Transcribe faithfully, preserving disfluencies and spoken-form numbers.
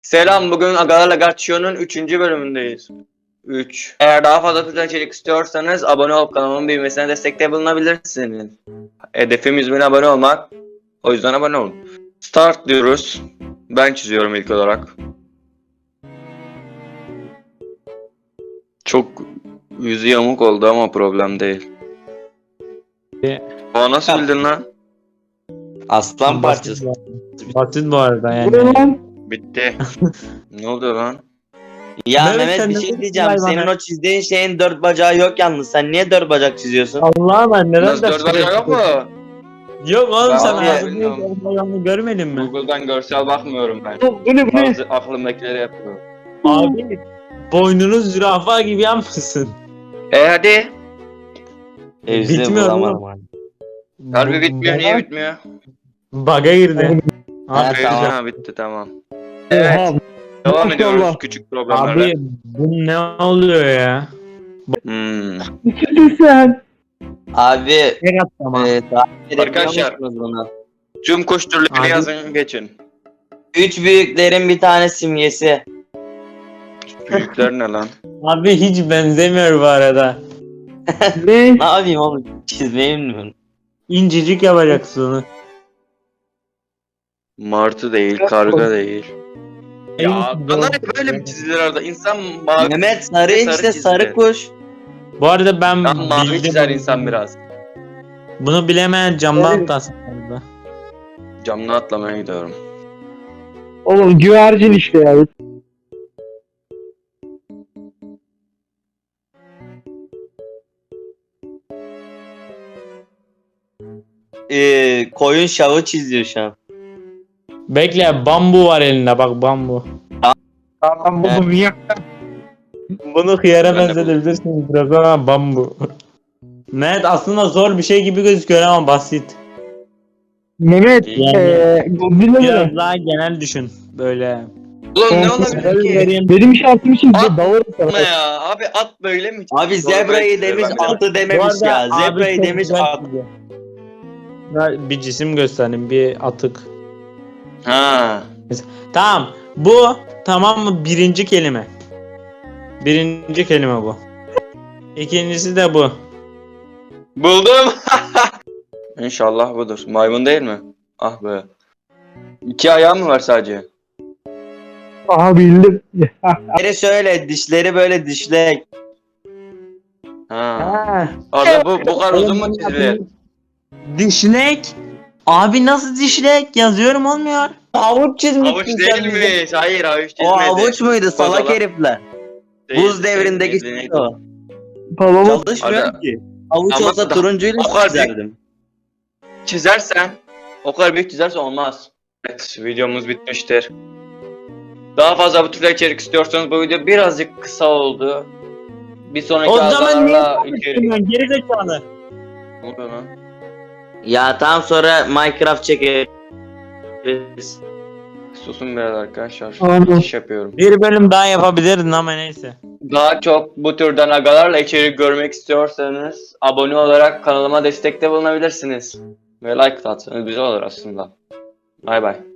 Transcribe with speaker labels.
Speaker 1: Selam, bugün Agalarla Gaccio'nun üçüncü bölümündeyiz. üç. Eğer daha fazla türden içerik istiyorsanız abone olup kanalımın büyümesine destekte bulunabilirsiniz. Hedefim yüz bin abone olmak. O yüzden abone olun. Start diyoruz. Ben çiziyorum ilk olarak. Çok yüzü yamuk oldu ama problem değil. O nasıl bildin lan?
Speaker 2: Aslan parçası.
Speaker 3: Basit bu arada yani.
Speaker 1: Bitti. Ne oldu lan?
Speaker 2: Ya
Speaker 3: Mehmet,
Speaker 2: Mehmet
Speaker 3: sen
Speaker 2: bir
Speaker 3: ne
Speaker 2: şey
Speaker 3: diyorsun
Speaker 2: diyeceğim.
Speaker 3: hayvana?
Speaker 2: Senin o çizdiğin şeyin dört bacağı yok yalnız. Sen niye dört bacak çiziyorsun?
Speaker 3: Allah'a ben neden
Speaker 1: Nasıl dört bacağı yok mu?
Speaker 3: Yok oğlum
Speaker 1: Ben
Speaker 3: sen
Speaker 1: abi
Speaker 3: ağzını
Speaker 1: bilmiyorum.
Speaker 3: yanını görmedin mi?
Speaker 1: Google'dan görsel bakmıyorum ben.
Speaker 4: Bu ne bu ne?
Speaker 1: Bazı aklımdakileri yapıyorum.
Speaker 3: Abi boynunu zürafa gibi yapmışsın.
Speaker 1: E hadi.
Speaker 2: Evde
Speaker 3: Bitmiyor
Speaker 2: bulamadım
Speaker 3: oğlum.
Speaker 2: abi.
Speaker 1: Harbi bitmiyor, niye bitmiyor?
Speaker 3: Baga girdi.
Speaker 2: Ha,
Speaker 3: Abi,
Speaker 2: tamam.
Speaker 1: Ha bitti, tamam. Evet,
Speaker 4: Oha,
Speaker 1: devam
Speaker 4: maşallah.
Speaker 1: ediyoruz küçük problemlerle.
Speaker 3: abi bu ne oluyor ya?
Speaker 1: Hmm.
Speaker 4: ne çizdin sen?
Speaker 2: Abi
Speaker 3: Tek at tamam.
Speaker 2: e, takip edebiliyor
Speaker 1: Arkadaşlar.
Speaker 2: musunuz bunu?
Speaker 1: Tüm kuş türlerini
Speaker 3: Abi.
Speaker 1: yazın, geçin.
Speaker 2: Üç büyüklerin bir tane simgesi.
Speaker 1: Büyükler ne lan?
Speaker 3: Abi hiç benzemiyor bu arada.
Speaker 4: Ne?
Speaker 2: Ne yapayım oğlum? Çizmeyi mi?
Speaker 3: İncecik yapacaksın onu.
Speaker 1: Martı değil, karga değil. Ya
Speaker 3: En-
Speaker 1: bana böyle mi çizilir arada? İnsan mavi,
Speaker 2: Mehmet sarı
Speaker 1: Sarı
Speaker 2: işte
Speaker 1: çizdi.
Speaker 2: sarı kuş.
Speaker 3: Bu arada ben
Speaker 1: ben mavi
Speaker 3: bildim.
Speaker 1: çizer insan biraz.
Speaker 3: Bunu bilemeyen camdan
Speaker 4: Evet.
Speaker 3: atlasın arada.
Speaker 1: Camdan atlamaya gidiyorum.
Speaker 4: Oğlum güvercin işte ya.
Speaker 2: E, koyun şavı çiziyor şu an.
Speaker 3: Bekle bambu var elinde bak bambu.
Speaker 4: Tamam buldum niye?
Speaker 3: Bunu hıyara
Speaker 1: Ben de
Speaker 3: benzetebilirsiniz biraz ama bambu. Evet aslında zor bir şey gibi gözüküyor ama basit.
Speaker 4: Mehmet
Speaker 1: Yani-
Speaker 4: eee Godzilla
Speaker 3: Biraz
Speaker 4: mı?
Speaker 3: daha genel düşün böyle.
Speaker 1: Ulan ne
Speaker 4: Son-
Speaker 1: olabilir ki?
Speaker 3: Vereyim.
Speaker 4: Benim işaretimi çizdi.
Speaker 1: At-
Speaker 4: Dalarım
Speaker 1: Ne
Speaker 4: sana.
Speaker 1: ya? Abi at böyle mi?
Speaker 2: Abi zebrayı demiş atı dememiş
Speaker 3: Bu
Speaker 2: ya.
Speaker 3: arada abi
Speaker 2: Zebrayı
Speaker 3: çok
Speaker 2: demiş
Speaker 3: güzel
Speaker 2: at.
Speaker 3: çiziyor. Ya bir cisim göstereyim bir atık.
Speaker 1: Ha.
Speaker 3: Tamam bu tamam mı birinci kelime. Birinci kelime bu. İkincisi de bu.
Speaker 1: Buldum. İnşallah budur. Maymun değil mi? Ah be. İki ayağı mı var sadece?
Speaker 4: Aha bildim.
Speaker 2: Dişleri şöyle dişleri böyle dişlek.
Speaker 1: Ha. Abi bu bu kadar uzun mu çizilir?
Speaker 3: Dişlek. Abi nasıl dişlek? Yazıyorum olmuyor.
Speaker 2: Avuç çizmişsin
Speaker 1: Havuç
Speaker 2: sen bize.
Speaker 1: değilmiş. Hayır havuç çizmedi.
Speaker 2: O avuç muydu salak
Speaker 1: Kozalak.
Speaker 2: herifler?
Speaker 1: Değil,
Speaker 2: Buz devrindeki
Speaker 1: değil,
Speaker 2: şey o.
Speaker 4: Babamın
Speaker 2: Çalışmıyor
Speaker 1: Hadi.
Speaker 2: ki. Avuç
Speaker 1: Ama
Speaker 2: olsa
Speaker 1: da-
Speaker 2: turuncuyla
Speaker 1: o kadar
Speaker 2: çizerdim.
Speaker 1: Çizersen o kadar büyük çizersen olmaz. Evet, videomuz bitmiştir. Daha fazla bu türde içerik istiyorsanız bu video birazcık kısa oldu. Bir sonraki
Speaker 3: O zaman niye
Speaker 1: haftalarla içerik...
Speaker 3: Geri zekalı.
Speaker 1: Ne oluyor lan?
Speaker 2: Ya tam sonra Minecraft çekeriz.
Speaker 1: Susun biraz arkadaşlar.
Speaker 4: Aynen.
Speaker 1: İş yapıyorum.
Speaker 3: Bir bölüm daha yapabilirdin ama neyse.
Speaker 1: Daha çok bu türden agalarla içerik görmek istiyorsanız abone olarak kanalıma destekte bulunabilirsiniz. Ve like atsanız güzel olur aslında. Bay bay.